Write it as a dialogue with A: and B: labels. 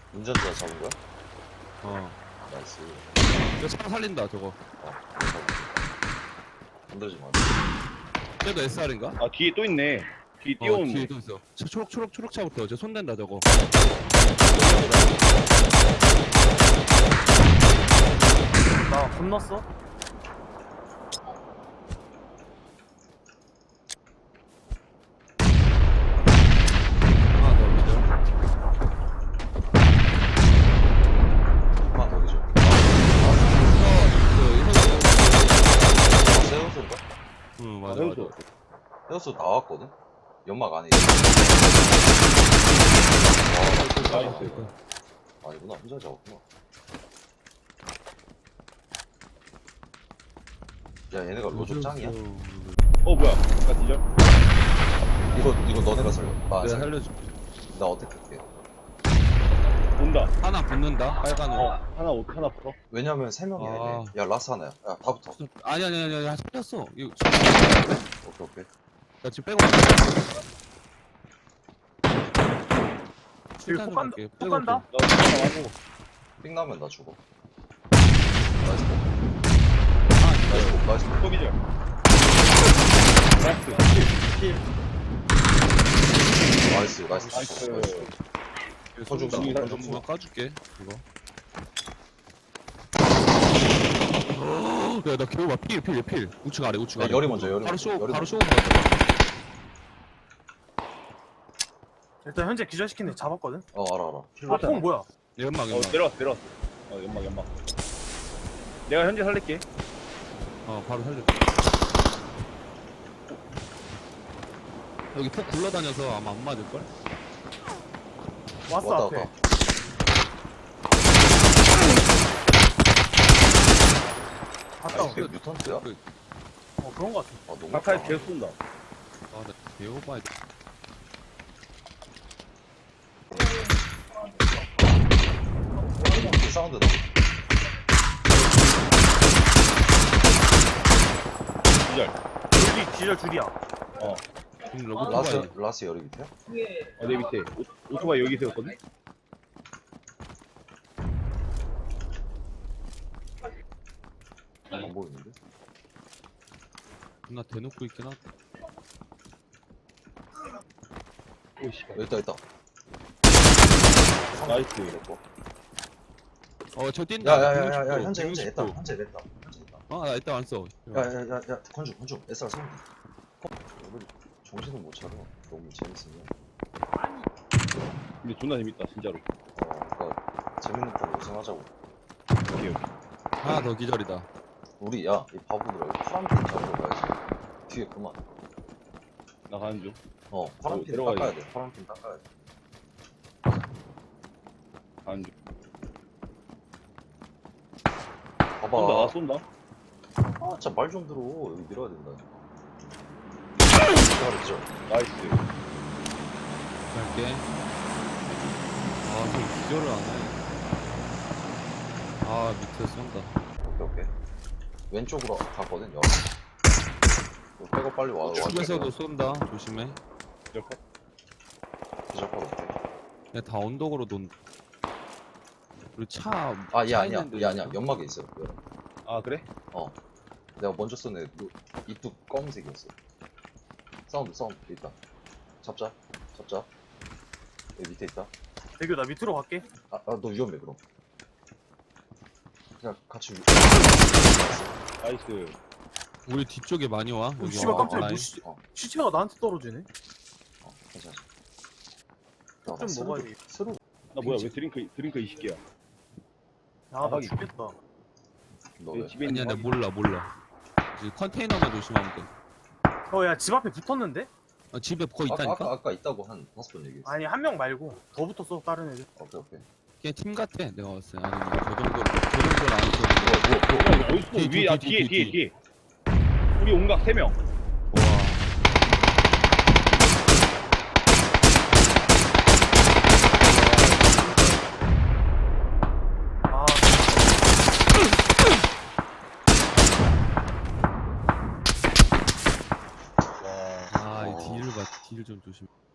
A: 운전자 잡은 거야?
B: 어.
A: 나이스.
B: 이거 차 살린다 저거.
A: 건들지 마.
B: 쟤도 SR인가?
C: 아 뒤에 또 있네. 뒤에
B: 어,
C: 뛰어오는
B: 뒤에
C: 거.
B: 또 있어. 저 초록 차부터 저 손댄다 저거.
D: 나 건넜어?
B: 하나 더 기절.
A: 하나 더 기죠. 세우스인가?
B: 응 맞아
C: 세우스.
B: 맞아.
A: 세우스 나왔거든? 연막 안에. 와,
C: 나이스.
A: 아니구나. 혼자 잡았구나. 야, 얘네가 로조 짱이야?
C: 어 뭐야? 나 뒤져.
A: 이거 너네가 살려. 나,
B: 내가 살려줄게.
A: 나 어떻게 할게?
C: 온다.
B: 하나 붙는다 빨간 거.
C: 하나 붙어.
A: 왜냐면 3명이야,
B: 아.
A: 얘네. 야, 라스 하나야. 야, 다 붙어.
B: 아니 살렸어. 이거
A: 오케이, 오케이.
B: 나 지금 빼고.
D: 여기 폭 간다. 폭 간다.
C: 나 하나 와고.
A: 삥 나면 나 죽어. 나이스. 나이스.
C: 또 기절. 나이스. 킬.
A: 나이스.
C: 나이스.
A: 서준
B: 나
A: 나
B: 전부 까줄게 이거. 야나 겨우 봐. 필. 우측 아래.
A: 야, 열이 먼저, 열이
B: 바로
A: 먼저.
B: 쇼
A: 열이
B: 바로
A: 먼저.
B: 쇼 먼저.
D: 일단 현재 기절시킨 애 잡았거든.
A: 알아.
D: 아, 폭 뭐야?
B: 연막.
C: 내려왔어. 연막. 내가 현재 살릴게.
B: 바로 살려. 여기 폭 굴러다녀서 아마 안 맞을걸?
D: 왔어
A: 왔다,
D: 앞에.
A: 왔다.
D: 갔다.
A: 아, 이게 뮤턴트야?
D: 어 그런 거 같아.
A: 너무
C: 가까이
A: 아파.
C: 계속 쏜다.
B: 아나 개오바야.
A: 그 사운드다.
C: 기절.
D: 기절 줄이야.
C: 어.
A: 라스 열이 밑에야?
C: 내 밑에. 오토바이 여기 세웠거든.
A: 안 보이는데?
B: 나 대놓고 있긴 하다.
C: 오씨.
A: 있다.
C: 나이스.
B: 저 뛴다.
A: 야야야야 현재 냈다.
B: 나 이따 안 써.
A: 야야야야 건주 SR 세운다. 우리 정신을 못 차려. 너무 재밌으면.
C: 근데 존나 재밌다 진짜로.
A: 그러니까 재밌는 거 우승하자고.
C: 오케이.
B: 하나 더 기절이다.
A: 우리 이 바보들아 파란핀 잡으러 가야지. 뒤에 그만.
C: 나 가는 중.
A: 파란핀
C: 들어가야지.
A: 닦아야 돼. 파란핀 닦아야 돼.
C: 가는 중.
A: 봐봐.
C: 쏜다.
A: 진짜 말 좀 들어. 여기 밀어야 된다. 그렇죠.
C: 나이스.
B: 갈게. 저 기절을 안 해. 밑에 쏜다.
A: 오케이. 왼쪽으로 갔거든. 여기. 이거 빼고 빨리 와.
B: 집에서도 쏜다. 조심해.
C: 기절 컷.
A: 기절 거 어때?
B: 얘 다 언덕으로 논. 그리고 차.
A: 얘
B: 차
A: 아니야.
B: 있는데
A: 얘 아니야. 연막에 있어.
C: 아 그래?
A: 내가 먼저 쏜 애 이뚝 검은색이었어. 사운드 있다. 잡자. 여기 밑에 있다.
D: 대규 나 밑으로 갈게.
A: 너 위험해 그럼. 그냥 같이
C: 나이스.
B: 우리 뒤쪽에 많이 와. 여기
D: 씨발 깜짝이야.
B: 라인.
D: 시체가 나한테 떨어지네.
A: 괜찮아.
D: 좀 먹어야지.
A: 스루.
C: 나 뭐야 왜 드링크 20개야?
D: 나
C: 하긴.
D: 죽겠다.
A: 너
C: 내
A: 왜?
C: 집에
B: 아니야,
C: 있는
B: 내 몰라. 이제 컨테이너만 조심하면 돼.
D: 야 집 앞에 붙었는데?
B: 집에 거기 있다니까?
A: 아까 있다고 한 5번 얘기했어.
D: 아니 한 명 말고 더 붙었어 다른 애들.
A: 오케이.
B: 걔 팀 같아. 내가 봤을 때. 아니, 저 정도는 아니고.
A: 뭐야.
C: 야, 어딨어?
B: 뒤에,
C: 위에
B: 뒤에.
C: 뒤에. 우리 온각 3명.
B: 와. 이 뒤를 봐. 뒤를 좀 조심.